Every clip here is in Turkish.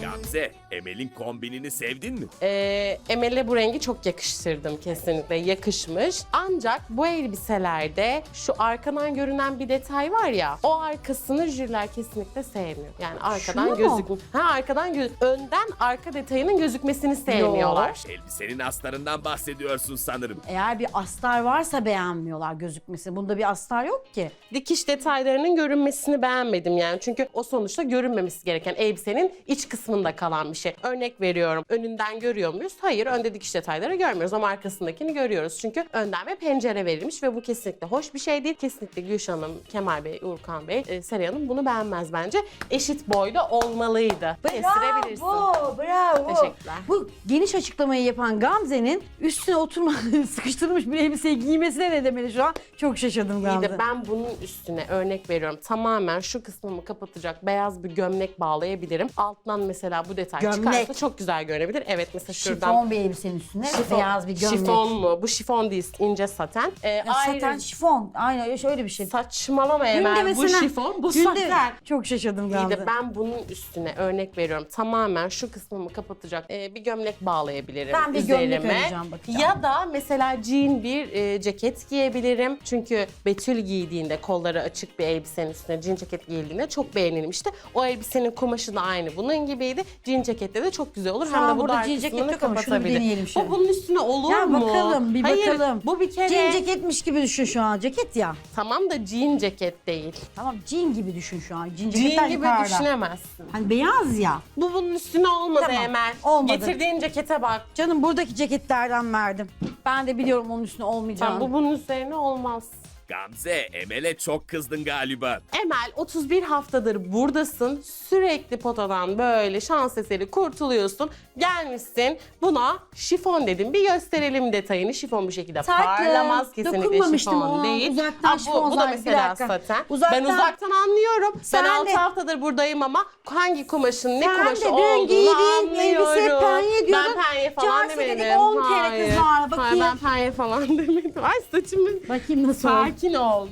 Gamze, Emel'in kombinini sevdin mi? Emel'e bu rengi çok yakıştırdım kesinlikle. Yakışmış. Ancak bu elbiselerde şu arkadan görünen bir detay var ya, o arkasını jüriler kesinlikle sevmiyor. Yani arkadan Şunu mu? önden arka detayının gözükmesini sevmiyorlar. Elbisenin astarından bahsediyorsun sanırım. Eğer bir astar varsa beğenmiyorlar gözükmesi. Bunda bir astar yok ki. Dikiş detaylarının görünmesini beğenmedim yani. Çünkü o sonuçta görünmemesi gereken elbisenin iç kısmında kalan bir şey. Örnek veriyorum. Önünden görüyor muyuz? Hayır, önde dikiş detayları görmüyoruz ama arkasındakini görüyoruz. Çünkü önden bir pencere verilmiş ve bu kesinlikle hoş bir şey değil. Kesinlikle Gülşah Hanım, Kemal Bey, Urkan Bey, Seray Hanım bunu beğenmez bence. Eşit boyda olmalıydı. Kestirebilirsin. Bravo. Teşekkürler. Bu geniş açıklamayı yapan Gamze'nin üstüne sıkıştırılmış bir elbiseyi giymesine ne demeli şu an? Çok şaşırdım İyi Gamze. de ben bunun üstüne örnek veriyorum. Tamamen şu kısmımı kapatacak beyaz bir gömlek bağlayabilirim. Alttan mesela bu detay Gömlek. çıkarsa çok güzel görünebilir. Evet, mesela şuradan Şifon bir elbisenin üstüne beyaz bir gömlek. Şifon mu? Bu şifon değil, ince saten. Saten şifon. Aynen şöyle bir şey. Saçmalama Günde Emel. Bu mesela- şifon, bu Günde- saten. Çok şaşırdım İyi Gamze. de ben bunun üstüne örnek veriyorum. Tamamen şu kısmımı kapatacak bir gömlek bağlayabilirim Ben bir üzerime. gömlek öreceğim, bakacağım. Ya da mesela jean bir ceket giyebilirim. Çünkü Betül giydiğinde, kolları açık bir elbisenin üstüne jean ceket giyildiğinde çok beğenilmişti. O elbisenin kumaşı da aynı bunun gibiydi. Jean cekette de çok güzel olur. Şu Hem an de bu burada dar jean ceket kısmını yok ama şunu bir kapatabilir. deneyelim şöyle. Bu bunun üstüne olur Ya mu? bakalım, bir Hayır, bakalım. bu bir kere... Jean ceketmiş gibi düşün şu an. Ceket ya. Tamam da jean ceket değil. Tamam jean gibi düşün şu an. Jean ceketler Jean gibi yukarıda. düşünemezsin. Hani beyaz ya. Bu bunun üstüne olmadı Tamam, Emel. olmadı. Getirdiğin cekete bak. Canım buradaki ceketlerden verdim. Ben de biliyorum onun üstüne olmayacağını. Bu bunun üzerine olmaz. Gamze, Emel'e çok kızdın galiba. Emel 31 haftadır buradasın. Sürekli potadan böyle şans eseri kurtuluyorsun. Gelmişsin buna şifon dedim. Bir gösterelim detayını. Şifon bu şekilde parlamaz. Kesinlikle Dokunmamıştım şifon ona. değil. Uzaktan Bu şifon da zaten. mesela Bir dakika. saten. Uzaktan- Ben uzaktan anlıyorum. Sen ben 6 de- haftadır buradayım ama hangi kumaşın ne Sen kumaşı de dün olduğunu giydiğin elbise anlıyorum. penye diyordun. Ben penye falan Cansu dedik, demedim. 10 kere Hayır. kızlar, Hayır, bakayım. ben penye falan demedim. Ay saçımı... Bakayım nasıl oldu. Sakin ol.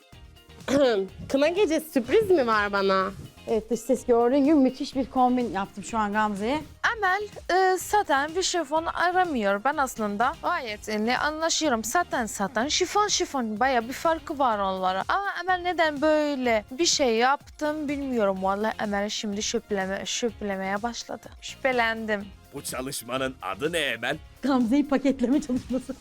Kına gecesi sürpriz mi var bana? Evet dış ses gördüğün gibi müthiş bir kombin yaptım şu an Gamze'ye. Emel saten bir şifon aramıyor. Ben aslında gayet iyi anlaşıyorum. Saten, şifon baya bir farkı var onlara. Ama Emel neden böyle bir şey yaptım bilmiyorum. Vallahi Emel şimdi şüphelemeye başladı. Şüphelendim. Bu çalışmanın adı ne Emel? Gamze'yi paketleme çalışması.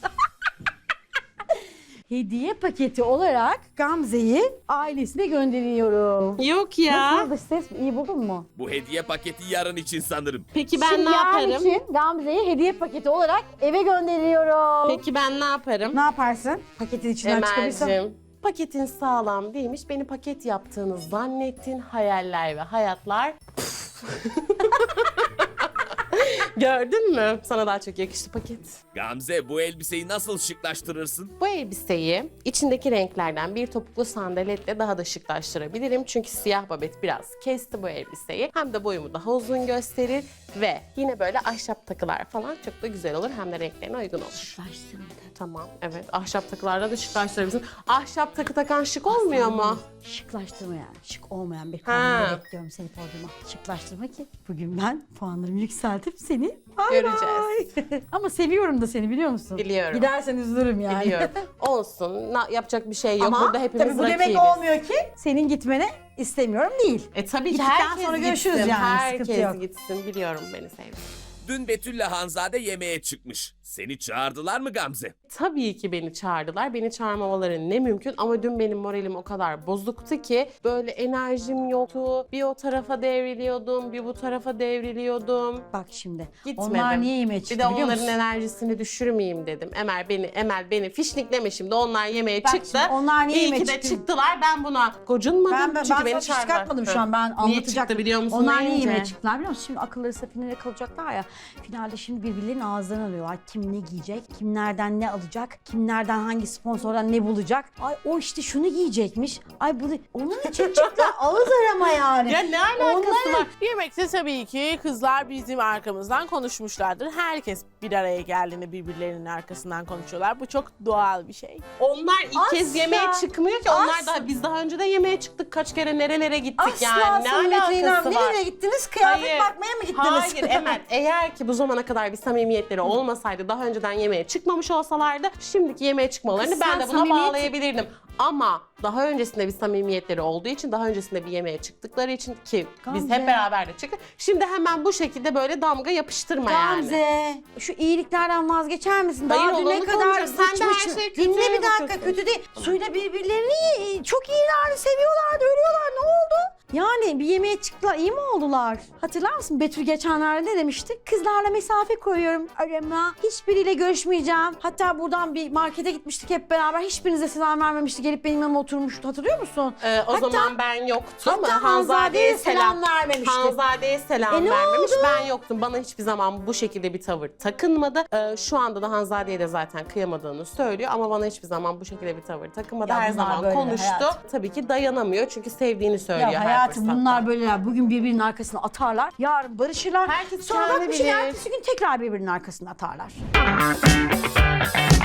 Hediye paketi olarak Gamze'yi ailesine gönderiyorum. Yok ya. Nasıl dış ses iyi buldun mu? Bu hediye paketi yarın için sanırım. Peki ben Şimdi ne yarın yaparım? için Gamze'yi hediye paketi olarak eve gönderiyorum. Peki ben ne yaparım? Ne yaparsın? Paketin içinden çıkabilirsen. Emel'cim, paketin sağlam değilmiş. Beni paket yaptığını zannettin. Hayaller ve hayatlar. Gördün mü? Sana daha çok yakıştı paket. Gamze, bu elbiseyi nasıl şıklaştırırsın? Bu elbiseyi içindeki renklerden bir topuklu sandaletle daha da şıklaştırabilirim. Çünkü siyah babet biraz kesti bu elbiseyi. Hem de boyumu daha uzun gösterir ve yine böyle ahşap takılar falan çok da güzel olur. Hem de renklerine uygun olur. Şıklaştırma da. Tamam, evet. Ahşap takılarla da şıklaştırabilirsin. Ahşap takı takan şık olmuyor mu? Şıklaştırma yani. Şık olmayan bir Ha. kombinle bekliyorum seni podyuma. Şıklaştırma ki bugün ben puanlarımı yükseltip seni Göreceğiz. Ama seviyorum da seni biliyor musun? Biliyorum. Gidersen üzülürüm yani. Biliyorum. Olsun. Yapacak bir şey yok. Ama Burada hepimiz tabii bu rakibiz. demek olmuyor ki senin gitmene istemiyorum değil. Tabii ki Gittikten herkes sonra gitsin. görüşürüz yani, sıkıntı yok. Herkes gitsin. Biliyorum beni sevdi. Dün Betül'le Hanzade yemeğe çıkmış. Seni çağırdılar mı Gamze? Tabii ki beni çağırdılar. Beni çağırmamaları ne mümkün ama dün benim moralim o kadar bozuktu ki böyle enerjim yoktu. Bir o tarafa devriliyordum, bir bu tarafa devriliyordum. Bak şimdi. Gitmedim. Onlar niye yemeğe Bir çıktı de biliyor onların musun? enerjisini düşürmeyeyim dedim. Emel beni fişnikleme şimdi. Onlar yemeğe Bak çıktı. şimdi onlar niye İyi yemeğe ki de çıktı? çıktılar. Ben buna gocunmadım. Ben Çünkü beni sana çağırdılar. çıkartmadım şu an ben Niye anlatacaktım. çıktı biliyor musun? Onlar niye deyince? yemeğe çıktılar biliyor musun? Şimdi akılları safinede kalacaklar ya. Finalde şimdi birbirlerinin ağızlarını alıyorlar. Kim ne giyecek, kim nereden ne alacak, kim nereden hangi sponsordan ne bulacak. Ay o işte şunu giyecekmiş. Ay bunu onun için çıktılar ağız arama yani. Ya ne alakası var? Yemekte tabii ki kızlar bizim arkamızdan konuşmuşlardır. Herkes bir araya geldiğinde birbirlerinin arkasından konuşuyorlar. Bu çok doğal bir şey. Onlar ilk kez Asla. yemeğe çıkmıyor ki. Onlar Asla. biz daha önce de yemeğe çıktık. Kaç kere nerelere gittik Asla yani. Ne Samimiyet'le İrem, alakası var? nereye gittiniz? Kıyafet Hayır. bakmaya mı gittiniz? Hayır Emel, eğer ki bu zamana kadar bir samimiyetleri olmasaydı, daha önceden yemeğe çıkmamış olsalardı, şimdiki yemeğe çıkmalarını Kız ben sen de buna samimiyet- bağlayabilirdim. Ama daha öncesinde bir samimiyetleri olduğu için, daha öncesinde bir yemeğe çıktıkları için ki biz Gamze. hep beraber de çıktık. Şimdi hemen bu şekilde böyle damga yapıştırma yani. Gamze, şu iyiliklerden vazgeçer misin? Hayır, Daha düne olanı kadar konuşuyoruz. Sen de her bıçmışsın. şeye kötüye Dinle mi bir dakika, bakıyorsun? kötü değil. Suyla birbirlerini çok iyilerdi, seviyorlardı, ölüyorlar. Ne oldu? Yani bir yemeğe çıktılar, iyi mi oldular? Hatırlar mısın? Betül geçenlerde ne demişti? Kızlarla mesafe koyuyorum arama. Hiçbiriyle görüşmeyeceğim. Hatta buradan bir markete gitmiştik hep beraber. Hiçbirinize selam vermemişti. Gelip benim yanıma oturmuştu. Hatırlıyor musun? O zaman ben yoktum. hatta Hanzade'ye selam vermemişti. Hanzade'ye selam ne vermemiş. oldu? Ben yoktum. Bana hiçbir zaman bu şekilde bir tavır takınmadı. Şu anda da Hanzade'ye de zaten kıyamadığını söylüyor ama bana hiçbir zaman bu şekilde bir tavır takınmadı. Ya Her bunlar zaman böyle konuştu. hayatım. Tabii ki dayanamıyor çünkü sevdiğini söylüyor Ya her hayatım fırsatta. bunlar böyleler. Bugün birbirinin arkasına atarlar. Yarın barışırlar. Herkes Sonra kendi bak bir şey bilir. ertesi gün tekrar birbirinin arkasına atarlar.